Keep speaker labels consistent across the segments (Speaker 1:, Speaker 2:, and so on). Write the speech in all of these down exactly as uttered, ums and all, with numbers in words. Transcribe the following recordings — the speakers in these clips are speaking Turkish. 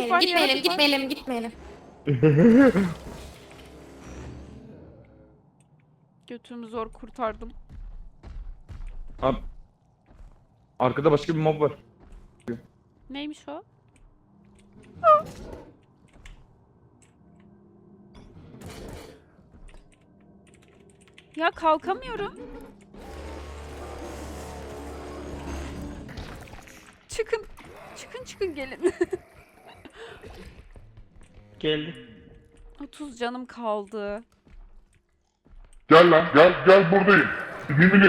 Speaker 1: Gitmeyelim,
Speaker 2: var,
Speaker 1: gitmeyelim,
Speaker 2: yaratık var.
Speaker 1: gitmeyelim, gitmeyelim.
Speaker 2: Götümü zor kurtardım.
Speaker 3: Abi. Arkada başka bir mob var.
Speaker 2: Neymiş o? Ya kalkamıyorum. Çıkın. Çıkın çıkın gelin.
Speaker 4: Geldi.
Speaker 2: otuz canım kaldı.
Speaker 5: Gel lan gel gel buradayım. Mimini.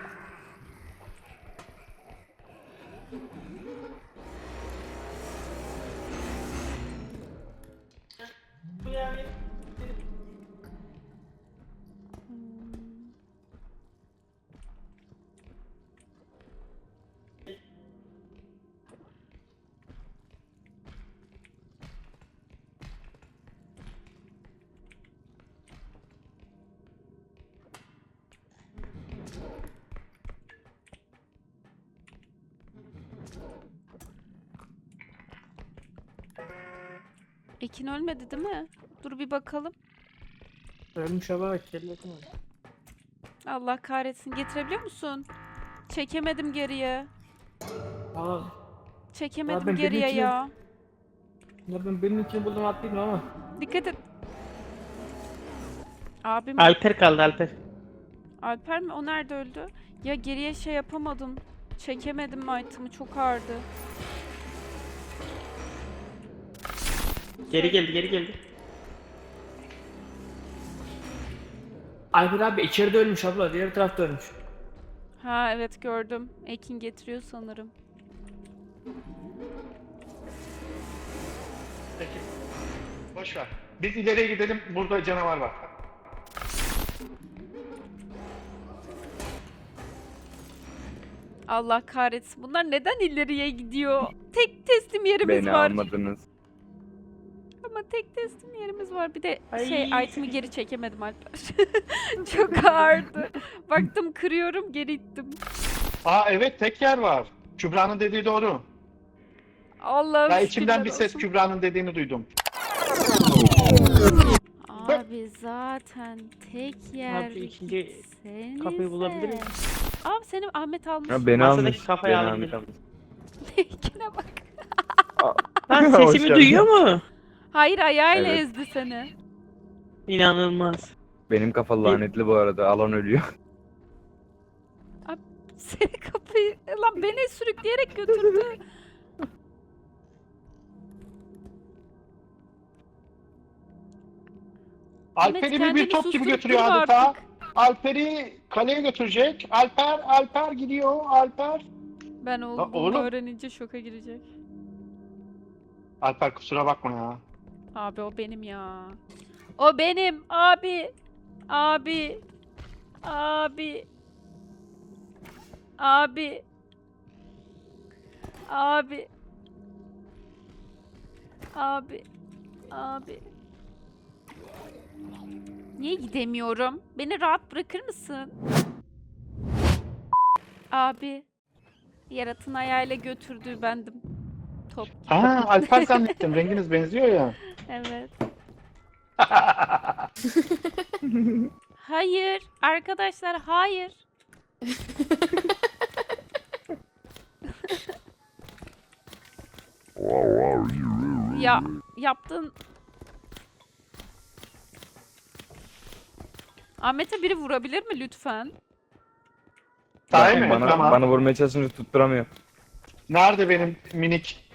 Speaker 2: Ekin ölmedi değil mi? Dur bir bakalım.
Speaker 4: Ölmüş ama kelledim.
Speaker 2: Allah kahretsin. Getirebiliyor musun? Çekemedim geriye.
Speaker 4: Aa,
Speaker 2: Çekemedim
Speaker 4: ben
Speaker 2: geriye
Speaker 4: benimkini-
Speaker 2: ya.
Speaker 4: ya ben benim için buldum atlayayım ama.
Speaker 2: Dikkat et. Abim
Speaker 6: Alper kaldı Alper.
Speaker 2: Alper mi? O nerede öldü? Ya geriye şey yapamadım. Çekemedim item'ı, çok ağırdı.
Speaker 6: Geri geldi geri geldi.
Speaker 4: Alper abi içeride ölmüş abla, diğer tarafta ölmüş.
Speaker 2: Ha evet gördüm. Ekin getiriyor sanırım.
Speaker 7: Peki. Boş ver. Biz ileriye gidelim. Burada canavar var.
Speaker 2: Allah kahretsin. Bunlar neden ileriye gidiyor? Tek teslim yerimiz
Speaker 3: Beni
Speaker 2: var.
Speaker 3: almadınız.
Speaker 2: Ama tek teslim yerimiz var. Bir de şey
Speaker 6: Ay.
Speaker 2: item'ı geri çekemedim Alper. Çok ağırdı. Baktım kırıyorum, geri ittim.
Speaker 7: Aa evet tek yer var. Kübra'nın dediği doğru.
Speaker 2: Allah'ım
Speaker 7: Ya içimden bir
Speaker 2: şükürler
Speaker 7: ses
Speaker 2: olsun.
Speaker 7: Kübra'nın dediğini duydum.
Speaker 2: Abi zaten tek yer
Speaker 6: Abi ikinci
Speaker 2: sen
Speaker 6: kapıyı bulabilir miyim?
Speaker 2: Abi senin Ahmet almış.
Speaker 3: Ya beni
Speaker 6: Masadaki
Speaker 3: almış.
Speaker 6: kafayı
Speaker 3: Beni
Speaker 6: alabilir.
Speaker 3: almış.
Speaker 2: Ekine bak.
Speaker 6: Lan
Speaker 3: Hoş
Speaker 6: sesimi
Speaker 3: geldin.
Speaker 6: duyuyor mu?
Speaker 2: Hayır ayağıyla
Speaker 3: Evet.
Speaker 2: ezdi seni.
Speaker 6: İnanılmaz.
Speaker 3: Benim kafa lanetli bu arada. Alan ölüyor.
Speaker 2: Seni kapıyı lan beni sürükleyerek götürdü. Ahmet,
Speaker 7: Alper'i bir,
Speaker 2: kendini
Speaker 7: bir top gibi
Speaker 2: susturup
Speaker 7: götürüyor
Speaker 2: durma
Speaker 7: adeta.
Speaker 2: artık.
Speaker 7: Alper'i kaleye götürecek. Alper, Alper gidiyor. Alper.
Speaker 2: Ben
Speaker 7: Lan
Speaker 2: olduğumu
Speaker 7: oğlum.
Speaker 2: öğrenince şoka girecek.
Speaker 7: Alper kusura bakma ya.
Speaker 2: Abi o benim ya. O benim abi. Abi. Abi. Abi. Abi. Abi. Abi. Niye gidemiyorum? Beni rahat bırakır mısın? Abi. Yaratın ayağıyla götürdüğü bendim. Top.
Speaker 7: Ha Alper zannettim. Renginiz benziyor ya.
Speaker 2: Evet. Hayır. Arkadaşlar hayır. Ya yaptın. Ahmet'e biri vurabilir mi lütfen?
Speaker 7: Sahi
Speaker 3: Bakın
Speaker 7: mi?
Speaker 3: Bana,
Speaker 7: Tamam.
Speaker 3: bana vurmaya çalışınca tutturamıyor.
Speaker 7: Nerede benim minik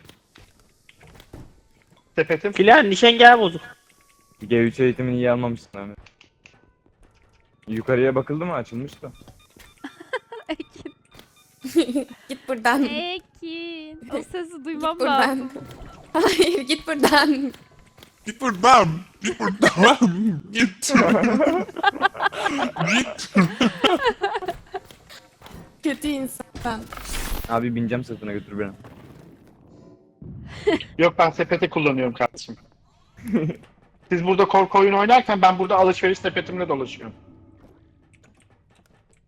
Speaker 7: sepetim?
Speaker 6: Filan nişangahı bozuk.
Speaker 3: G üç eğitimini iyi almamışsın abi. Yukarıya bakıldı mı? Açılmış da.
Speaker 2: Ekin.
Speaker 1: Git buradan.
Speaker 2: Ekin. O sesi
Speaker 1: Git
Speaker 2: duymam
Speaker 1: buradan.
Speaker 2: lazım.
Speaker 1: Hayır, git buradan.
Speaker 5: Git buradan. Git buradan. Git. Git.
Speaker 1: Kötü insan.
Speaker 3: Abi bineceğim sırtına götür beni.
Speaker 7: Yok ben sepeti kullanıyorum kardeşim. Siz burada korku oyunu oynarken ben burada alışveriş sepetimle dolaşıyorum.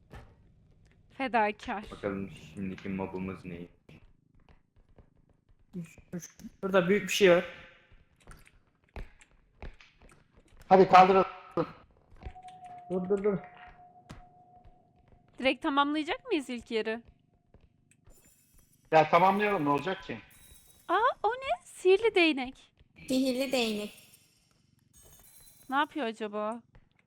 Speaker 2: Fedakar.
Speaker 3: Bakalım şimdiki mobumuz ne?
Speaker 4: Burada büyük bir şey var.
Speaker 7: Hadi kaldıralım.
Speaker 4: Dur dur dur.
Speaker 2: Direkt tamamlayacak mıyız ilk yeri?
Speaker 7: Ya tamamlayalım ne olacak ki?
Speaker 2: Aa o ne? Sihirli değnek.
Speaker 1: Sihirli değnek.
Speaker 2: Ne yapıyor acaba?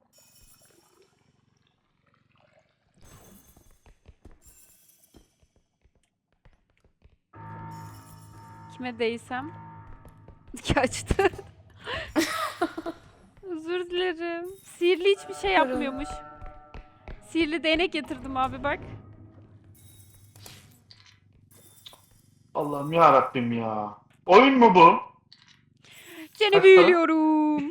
Speaker 2: Kime değsem? Kaçtı. Özür dilerim. Sihirli hiçbir şey yapmıyormuş. Sihirli değnek getirdim abi bak.
Speaker 7: Allah'ım ya Rabbim ya. Oyun mu bu?
Speaker 2: Seni
Speaker 7: Kaç para?
Speaker 2: büyülüyorum.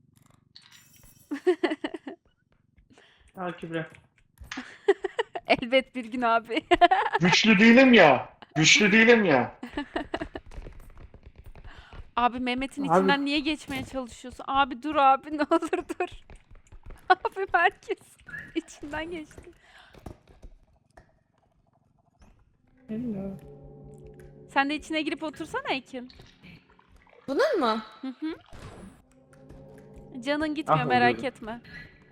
Speaker 4: Al Kübra.
Speaker 2: Elbet bir gün abi.
Speaker 7: Güçlü değilim ya. Güçlü değilim ya.
Speaker 2: Abi Mehmet'in
Speaker 4: Abi-
Speaker 2: içinden niye geçmeye çalışıyorsun? Abi dur abi ne olur dur. Abi herkes içinden geçti.
Speaker 4: Hello.
Speaker 2: Sen de içine girip otursana Ekin.
Speaker 1: Bunun mu?
Speaker 2: Hı hı. Canın gitmiyor
Speaker 3: Ah,
Speaker 2: merak
Speaker 3: oluyorum.
Speaker 2: etme.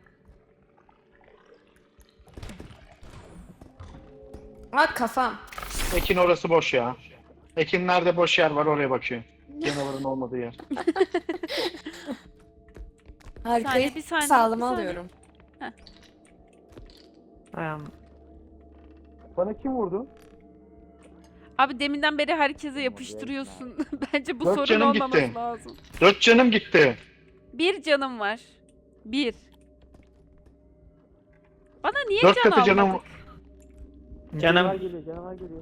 Speaker 1: Aa kafam.
Speaker 7: Ekin orası boş ya. Ekin nerede boş yer var oraya bakıyor. Canavarın olmadığı yer.
Speaker 1: Harikayı
Speaker 2: bir saniye,
Speaker 1: sağlama
Speaker 2: bir saniye.
Speaker 1: alıyorum.
Speaker 4: Ayağım.
Speaker 7: Bana kim vurdu?
Speaker 2: Abi deminden beri herkese yapıştırıyorsun. Bence bu
Speaker 7: Dört
Speaker 2: sorun
Speaker 7: canım
Speaker 2: olmaması
Speaker 7: gitti.
Speaker 2: lazım.
Speaker 7: Dört canım gitti.
Speaker 2: Bir canım var. Bir. Bana niye
Speaker 7: Dört
Speaker 2: can
Speaker 7: katı canım.
Speaker 2: almadık?
Speaker 6: Canım.
Speaker 4: geliyor, canavar geliyor.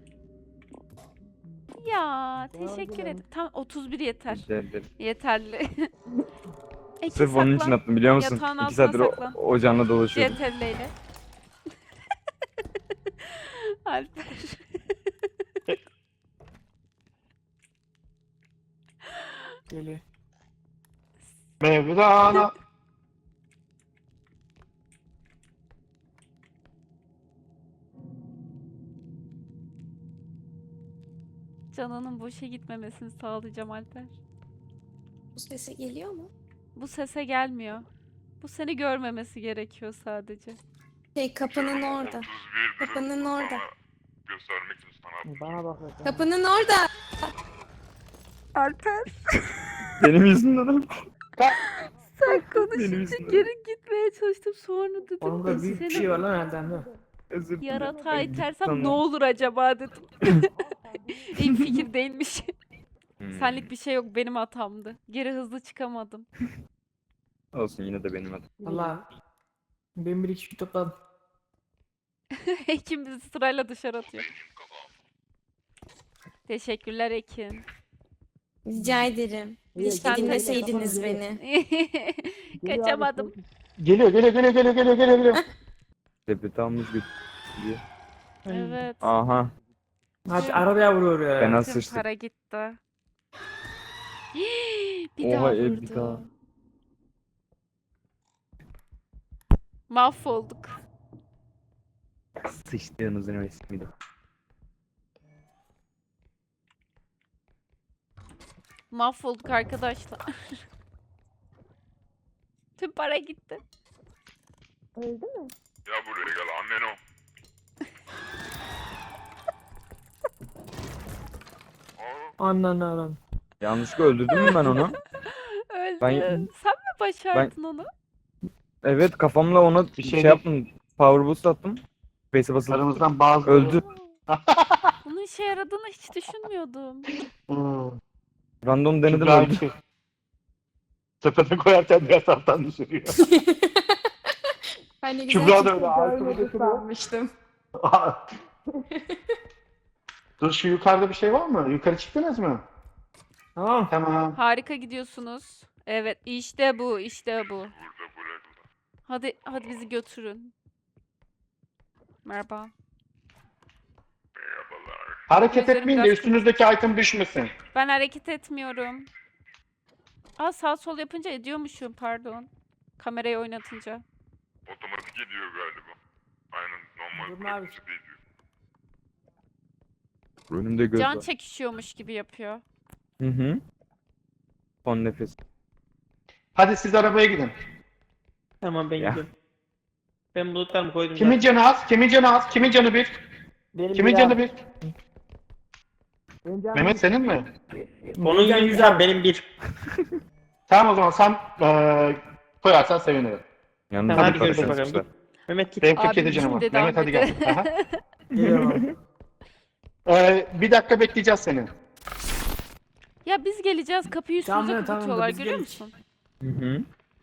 Speaker 2: Ya teşekkür ederim. Tam otuz bir yeter.
Speaker 3: Rica ederim.
Speaker 2: Yeterli. Ekin
Speaker 3: Sırf onun için
Speaker 2: saklan.
Speaker 3: attım biliyor musun?
Speaker 2: Yatağın
Speaker 3: İki
Speaker 2: altına
Speaker 3: saattir o,
Speaker 2: saklan.
Speaker 3: o canla dolaşıyordum.
Speaker 2: Yeterliyle. Alper.
Speaker 4: Geliyor.
Speaker 7: Mevlana.
Speaker 2: Canının boşa gitmemesini sağlayacağım Alper.
Speaker 1: Bu sesi geliyor mu?
Speaker 2: Bu sese gelmiyor. Bu seni görmemesi gerekiyor sadece.
Speaker 1: Şey kapının orada. Kapının orada.
Speaker 5: Göstermek için sana.
Speaker 4: Bana bak. bak.
Speaker 1: Kapının orada.
Speaker 2: Alper
Speaker 3: Benim yüzümden ama.
Speaker 2: sen
Speaker 3: Benim
Speaker 2: konuşunca
Speaker 3: yüzümden.
Speaker 2: geri gitmeye çalıştım sonra dedim.
Speaker 4: Onda büyük bir
Speaker 2: seni
Speaker 4: şey var lan herhalde. değil mi?
Speaker 3: Özür dilerim.
Speaker 2: Yaratığa
Speaker 3: Ben
Speaker 2: itersem
Speaker 3: gittim
Speaker 2: ne olur acaba dedim. İyi fikir değilmiş.
Speaker 3: Hmm.
Speaker 2: Senlik bir şey yok benim hatamdı. Geri hızlı çıkamadım.
Speaker 3: Olsun yine de benim adım.
Speaker 4: Valla. Ben bir iki topladım.
Speaker 2: Ekin bizi sırayla dışarı atıyor. Teşekkürler Ekin.
Speaker 1: Rica ederim. Keşke
Speaker 2: Sen de-
Speaker 1: dinleseydiniz beni.
Speaker 2: Kaçamadım.
Speaker 7: Geliyor geliyor geliyor geliyor geliyor geliyor. geliyor.
Speaker 3: Sepeti almış götürüyor.
Speaker 2: Evet.
Speaker 3: Aha.
Speaker 4: Hadi arabaya vuruyor ya.
Speaker 3: Ben
Speaker 2: Tüm
Speaker 3: sıçtık.
Speaker 2: para gitti. bir
Speaker 3: Oha,
Speaker 2: daha
Speaker 3: evet,
Speaker 2: vurdu.
Speaker 3: bir daha.
Speaker 2: Mahvolduk.
Speaker 3: Sıçtığınızın resmiydi.
Speaker 2: Mahvolduk arkadaşlar. Tüm para gitti.
Speaker 5: Ya buraya gel annen o.
Speaker 4: Anan anan.
Speaker 3: Yanlışlıkla öldürdüm mü ben onu?
Speaker 2: Öldü.
Speaker 3: Ben-
Speaker 2: Sen mi başardın onu?
Speaker 3: Evet kafamla ona bir
Speaker 7: şey
Speaker 3: şey,
Speaker 7: değil.
Speaker 3: yaptım. Power boost attım. Face'e basılı.
Speaker 7: Aramızdan bazı
Speaker 3: Öldü.
Speaker 2: Bunun işe yaradığını hiç düşünmüyordum.
Speaker 7: Hmm.
Speaker 3: Random denedim
Speaker 7: Kübra
Speaker 3: öldü.
Speaker 7: iki. Sepete koyarken diğer taraftan düşürüyor.
Speaker 1: Ben de
Speaker 7: Kübra da öyle altını götürüyor.
Speaker 1: sanmıştım.
Speaker 7: Dur şu yukarıda bir şey var mı? Yukarı çıktınız mı?
Speaker 4: Tamam.
Speaker 7: Tamam.
Speaker 2: Harika gidiyorsunuz. Evet işte bu işte bu.
Speaker 5: Burada burada.
Speaker 2: Hadi hadi bizi götürün. Merhaba.
Speaker 5: Merhabalar.
Speaker 7: Hareket
Speaker 2: Gözlerim
Speaker 7: etmeyin de
Speaker 2: biraz
Speaker 7: üstünüzdeki item düşmesin.
Speaker 2: Ben hareket etmiyorum. Aa sağ sol yapınca ediyormuşum pardon. Kamerayı oynatınca.
Speaker 5: Otomatik ediyor galiba. Aynen normal
Speaker 4: Durma abi.
Speaker 5: pratikte ediyor.
Speaker 3: Önümde göz
Speaker 2: Can
Speaker 3: var.
Speaker 2: çekişiyormuş gibi yapıyor.
Speaker 3: Hı hı. Son nefes.
Speaker 7: Hadi siz arabaya gidin.
Speaker 6: Tamam ben
Speaker 3: Ya.
Speaker 6: gidiyorum. Ben bulutlarımı koydum.
Speaker 7: Kimin
Speaker 6: zaten.
Speaker 7: canı az? Kimin canı az? Kimin canı bir?
Speaker 4: Benim
Speaker 7: Kimin
Speaker 4: bir
Speaker 7: canı
Speaker 4: abi.
Speaker 7: bir?
Speaker 4: Benim canım
Speaker 7: Mehmet senin mi?
Speaker 6: Onun
Speaker 4: Benim
Speaker 6: yüzü
Speaker 4: güzel.
Speaker 6: benim bir.
Speaker 7: Tamam o zaman sen eee koyarsan sevinirim.
Speaker 3: Yalnız
Speaker 6: Tamam,
Speaker 3: bir
Speaker 6: hadi görüşürüz
Speaker 3: para
Speaker 6: bakalım.
Speaker 3: kaçmışlar.
Speaker 6: Mehmet git.
Speaker 7: Benim kırk
Speaker 2: Abim
Speaker 7: yedi canım var.
Speaker 2: kim dedi
Speaker 7: Mehmet hadi gel.
Speaker 2: Ahmet'e?
Speaker 7: Aha.
Speaker 4: Geliyorum abi.
Speaker 7: Eee, bir dakika bekleyeceğiz seni.
Speaker 2: Ya biz geleceğiz kapıyı
Speaker 4: Tamam,
Speaker 2: üstümüze
Speaker 4: tamam,
Speaker 2: kapatıyorlar
Speaker 4: biz
Speaker 2: görüyor
Speaker 4: geleceğiz.
Speaker 2: musun?
Speaker 3: Hı hı.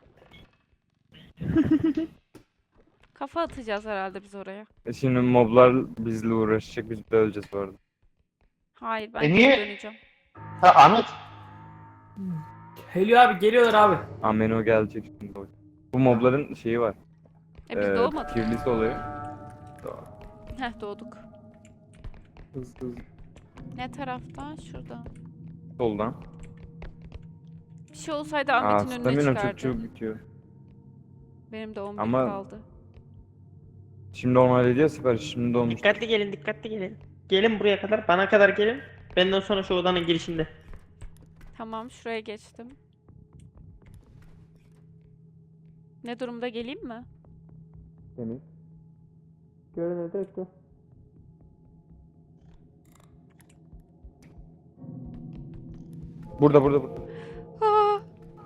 Speaker 2: Kafa atacağız herhalde biz oraya.
Speaker 3: E Şimdi moblar bizle uğraşacak, biz de öleceğiz bu arada.
Speaker 2: Hayır ben
Speaker 7: E
Speaker 2: geri
Speaker 7: niye?
Speaker 2: döneceğim.
Speaker 7: Ha Ahmet.
Speaker 4: Helio abi geliyorlar abi.
Speaker 3: Ameno gelecek şimdi. Bu mobların şeyi var.
Speaker 2: E biz
Speaker 3: Ee,
Speaker 2: doğmadık.
Speaker 3: Kirlisi oluyor.
Speaker 2: Heh doğduk.
Speaker 3: Hızlı hızlı.
Speaker 2: Ne taraftan? Şuradan.
Speaker 3: Soldan.
Speaker 2: Bir şey olsaydı
Speaker 3: Aa,
Speaker 2: Ahmet'in önüne
Speaker 3: stamina çok
Speaker 2: çıkardı.
Speaker 3: çabuk bitiyor.
Speaker 2: Benim de on bir
Speaker 3: Ama-
Speaker 2: kaldı.
Speaker 3: Şimdi normal ediyor sipariş. Şimdi olmuş.
Speaker 6: Dikkatli gelin dikkatli gelin. Gelin buraya kadar bana kadar gelin. Benden sonra şu odanın girişinde.
Speaker 2: Tamam şuraya geçtim. Ne durumda geleyim mi?
Speaker 3: Temiz.
Speaker 6: Görün öde öde.
Speaker 3: Burada burada burada.
Speaker 2: Aa!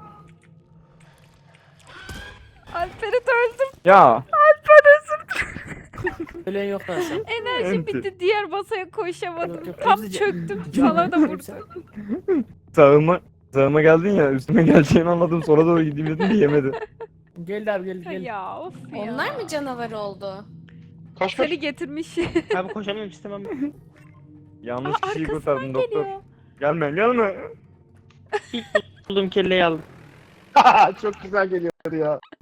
Speaker 2: Alper'i de öldüm.
Speaker 3: Ya.
Speaker 2: Alper özür
Speaker 4: Ölen yok lan sen.
Speaker 2: Enerjim
Speaker 3: Enti.
Speaker 2: bitti. Diğer masaya koşamadım.
Speaker 4: Yok, yok,
Speaker 2: Tam
Speaker 4: hepsi-
Speaker 2: çöktüm.
Speaker 4: Can-
Speaker 2: Sana da
Speaker 4: hepsi-
Speaker 2: vurdum.
Speaker 3: Sağıma sağıma geldin ya, üstüme geleceğini anladım, sonra doğru gideyim dedim de yemedi.
Speaker 4: Geldi abi geldi geldi.
Speaker 2: Ya of ya.
Speaker 1: Onlar mı canavar oldu?
Speaker 7: Koş koş.
Speaker 2: Seni getirmiş.
Speaker 6: Abi koşamıyorum istemem.
Speaker 3: Yanlış
Speaker 2: Aa,
Speaker 3: kişiyi
Speaker 2: arkasından
Speaker 3: kurtardım doktor.
Speaker 2: geliyor.
Speaker 3: Gelme gelme.
Speaker 6: Bulduğum kelleyi aldım.
Speaker 7: Çok güzel geliyor ya.